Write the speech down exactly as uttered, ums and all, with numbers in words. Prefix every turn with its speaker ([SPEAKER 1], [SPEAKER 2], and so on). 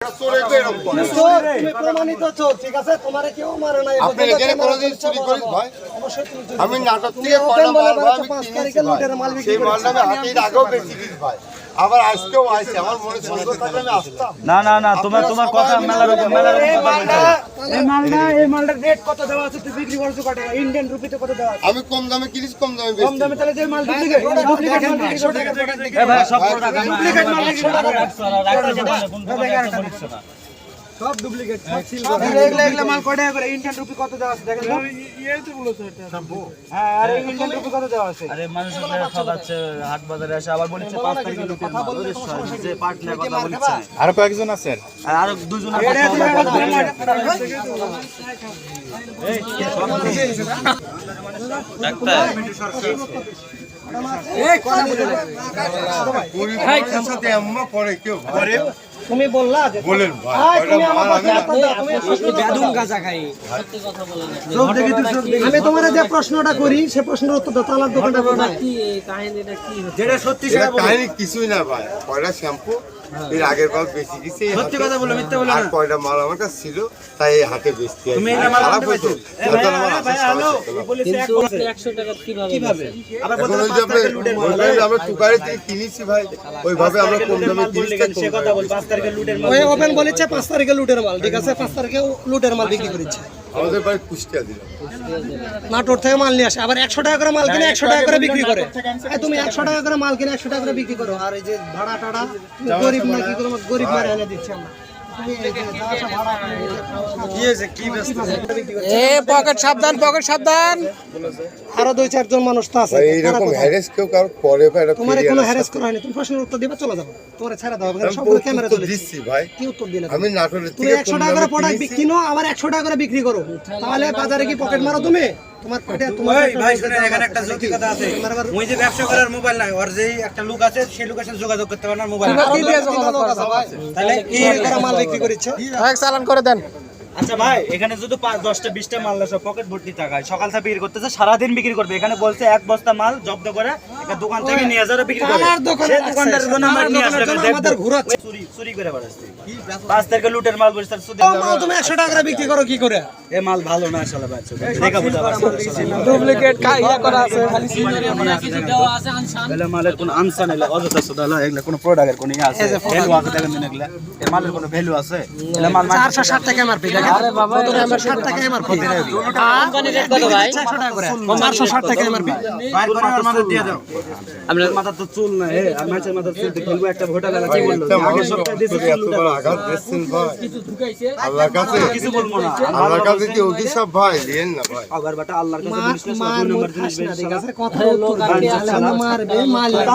[SPEAKER 1] প্রমাণিত চোর, ঠিক আছে? তোমারে কেউ মারে নাই।
[SPEAKER 2] আপনি এখানে কোনোদিন চুরি করিস ভাই? আমি নাটক থেকে কয়টা মাল ভাই আমি কিনেছি ভাই। সেই মালটা আমি হাতের আগেও বেশি দিস ভাই। আবার আজকেও আইছে, আমার মনে সন্দেহ থাকলে আমি আসতাম
[SPEAKER 3] না না না, তোমার তোমার কথা মেলার উপর মেলার উপর কথা বলছো।
[SPEAKER 1] এই মালটা এই মালটার রেট কত দেওয়া আছে? তুই বিক্রি করছিস কত টাকা? ইন্ডিয়ান রুপিতে কত দেওয়া আছে?
[SPEAKER 2] আমি কম দামে কিনিস, কম দামে
[SPEAKER 1] কম
[SPEAKER 2] বেচি।
[SPEAKER 1] দামে তাহলে যে মাল ডুপ্লিকেট ডুপ্লিকেট মাল বিক্রি করতে
[SPEAKER 3] এ ভাই সব প্রোডাক্ট
[SPEAKER 1] ডুপ্লিকেট মাল বিক্রি করতে
[SPEAKER 3] রাখছো না রাখছো না কোন দোকানে বলছো না
[SPEAKER 1] সব ডুপ্লিকেট সব সিল করা। এগুলা এগুলা মাল কত টাকা করে? ইন্ডিয়ান রুপি কত দেওয়া আছে দেখেন তো? এই তো বলছো এটা সম্ভব। হ্যাঁ, আর ইন্ডিয়ান রুপি কত দেওয়া আছে?
[SPEAKER 3] আরে মানুষের ঠকাচ্ছে হাট বাজারে এসে আবার বলছে পাঁচ তারিখে লুটের মাল ওরে সরি যে পার্টনার কথা বলছে
[SPEAKER 4] আর কয়েকজন আছেন
[SPEAKER 3] আর আরো দুজন আছে ডাক্তার
[SPEAKER 1] এই কথা বলে
[SPEAKER 2] গরিবের সাথে আম্মা করে কেউ করে
[SPEAKER 1] তুমি বললা যে
[SPEAKER 2] বলেন ভাই
[SPEAKER 1] ভাই,
[SPEAKER 2] কয়টা
[SPEAKER 1] তুমি আমার
[SPEAKER 2] মাল আমি
[SPEAKER 1] কথা
[SPEAKER 2] না-
[SPEAKER 1] তুমি বেদুম গাজা খাই সব দেখি তুই সব দেখি। আমি তোমারে যে প্রশ্নটা করি সে প্রশ্নের উত্তর দাও। তালার দোকানটা কোথায়? যেটা সত্যি
[SPEAKER 2] এটা
[SPEAKER 1] সেটা বলো।
[SPEAKER 2] কাহিনী কিছুই না ভাই। কয়টা শ্যাম্পু এর আগের বার বেশি গেছে,
[SPEAKER 1] সত্যি কথা বলো, মিথ্যা বলো
[SPEAKER 2] আর
[SPEAKER 1] না।
[SPEAKER 2] কয়টা মাল আমার কাছে ছিল তাই এই হাতে বেচতে আসি।
[SPEAKER 1] তুমি এটা মাল
[SPEAKER 2] খারাপ
[SPEAKER 1] আনতে
[SPEAKER 2] হইতো,
[SPEAKER 1] পারছো?
[SPEAKER 2] যত আমার আসার সময় ছিল না।
[SPEAKER 1] বলেছে একশো টাকা কিভাবে? আবার
[SPEAKER 2] এখন
[SPEAKER 1] বলতে
[SPEAKER 2] ওই যে
[SPEAKER 1] পাঁচ
[SPEAKER 2] আমরা-
[SPEAKER 1] টাকা লুটের মাল।
[SPEAKER 2] ওইভাবে আমরা টুকারে থেকে কিনেছি ভাই, ওইভাবে আমরা কম দামে কিনেছি তাই কম দামে।
[SPEAKER 1] ওই ওপেন বলেছে পাঁচ তারিখে লুটের মাল, ঠিক আছে? পাঁচ তারিখে লুটের মাল বিক্রি করেছে।
[SPEAKER 2] আমাদের বাড়ি কুষ্টিয়া দিলাম।
[SPEAKER 1] নাটোর থেকে মাল নিয়ে আসে, আবার একশো টাকা করে মাল কিনে একশো টাকা করে বিক্রি করে। এই তুমি একশো টাকা করে মাল কিনে একশো টাকা করে বিক্রি করো, আর এই যে ভাড়া টাড়া তুমি গরিব না কি করে গরিব মারে এনে দিচ্ছে আমরা। তুমি এই যে যা আসা ভাড়া কি হয়েছে কি ব্যস্ত এ পকেট সাবধান, পকেট সাবধান। আরো দুই চারজন মানুষ তো আছে।
[SPEAKER 2] ভাই এইরকম হ্যারেস কেউ কারো করে ভাই, এটা
[SPEAKER 1] তোমার
[SPEAKER 2] ফিরিয়ে
[SPEAKER 1] কোনো
[SPEAKER 2] আনা
[SPEAKER 1] হ্যারাস করা হয়নি, তুমি প্রশ্নের উত্তর দিবা চলে যাবো, তোমার ছেড়ে দাও,
[SPEAKER 2] আমি
[SPEAKER 1] সবগুলো ক্যামেরা
[SPEAKER 2] উত্তর
[SPEAKER 1] চলে
[SPEAKER 2] দিচ্ছি ভাই।
[SPEAKER 1] কি উত্তর দিলে?
[SPEAKER 2] আমি নাটোরের
[SPEAKER 1] তুমি
[SPEAKER 2] থেকে
[SPEAKER 1] একশো
[SPEAKER 2] কম
[SPEAKER 1] টাকা করে
[SPEAKER 2] দামে
[SPEAKER 1] প্রোডাক্ট
[SPEAKER 2] কিনেছি।
[SPEAKER 1] কিনো, আবার একশো টাকা করে বিক্রি করো, তাহলে বাজারে কি পকেট মারো তুমি? তোমার পেটে তোমার
[SPEAKER 5] ওই ভাই শুনেন, এখানে একটা যৌতি কথা আছে। ওই যে ব্যবসা করার মোবাইল নাই, ওর যে একটা লোক আছে সেই লোকের সাথে যোগাযোগ করতে পারে না মোবাইল।
[SPEAKER 1] তাহলে কি করে মাল বিক্রি করেছে?
[SPEAKER 5] চালান করে দেন।
[SPEAKER 3] আচ্ছা ভাই, এখানে যদি পাঁচ দশটা বিশটা মাল সব পকেট ভর্তি টাকা সকাল থেকে বিক্রি করতেছে, সারাদিন বিক্রি করবে। এখানে বলছে এক বস্তা মাল জব্দ করে একটা দোকান থেকে নিয়ে যারা বিক্রি করে,
[SPEAKER 1] আমার দোকানে
[SPEAKER 3] সেই দোকানদার জন্য আমরা নিয়ে আসলে
[SPEAKER 1] আমাদের ঘুরাচ্ছে।
[SPEAKER 3] চুরি চুরি করে বেড়াচ্ছে পাঁচ তারিখে লুটের মাল বসে তার সুদে
[SPEAKER 1] ও মাল তুমি একশো টাকা করে বিক্রি করো কি করে?
[SPEAKER 3] এ মাল ভালো না আসলে বাচ্চা দেখা বুঝা পারছে
[SPEAKER 1] ডুপ্লিকেট ইয়া করা আছে খালি
[SPEAKER 3] এলা মালের কোনো আনসা নেই, অযথা সুদা হলো। এগুলা কোনো প্রোডাক্টের কোনো ইয়ে আছে ভ্যালু আছে দেখেন দিন, এগুলা এ মালের কোনো ভ্যালু আছে? এলা মাল
[SPEAKER 1] চারশো ষাট টাকা এমআরপি দেখেন। আরে বাবা চারশো ষাট টাকা এমআরপি। কোম্পানি রেট কত ভাই? চারশো ষাট টাকা এমআরপি।
[SPEAKER 5] বাইর করে ওর মাথা দিয়ে দাও।
[SPEAKER 3] আপনার মাথা তো চুল না, হে আর মাছের মাথা চুল খেলবো একটা ভোটা লাগা কি বললো?
[SPEAKER 2] একটা
[SPEAKER 3] আগের
[SPEAKER 2] মানুষ
[SPEAKER 3] সপ্তাহে
[SPEAKER 2] করে
[SPEAKER 3] দিয়েছে
[SPEAKER 2] এত বড় আঘাত দিচ্ছেন ভাই। আল্লাহর কাছে
[SPEAKER 3] কিছু বলবো না,
[SPEAKER 2] আল্লাহর কাছে কি অভিশাপ ভাই দিয়েন না ভাই।
[SPEAKER 3] আবার বাটা আল্লাহর কাছে
[SPEAKER 1] মার
[SPEAKER 3] জিনিস না,
[SPEAKER 1] মার
[SPEAKER 3] দুই
[SPEAKER 1] মুখ
[SPEAKER 3] নম্বর জিনিস
[SPEAKER 1] খাস না,
[SPEAKER 3] বেশি
[SPEAKER 1] ঠিক আছে? কথা উত্তর দিন, মারবে মাল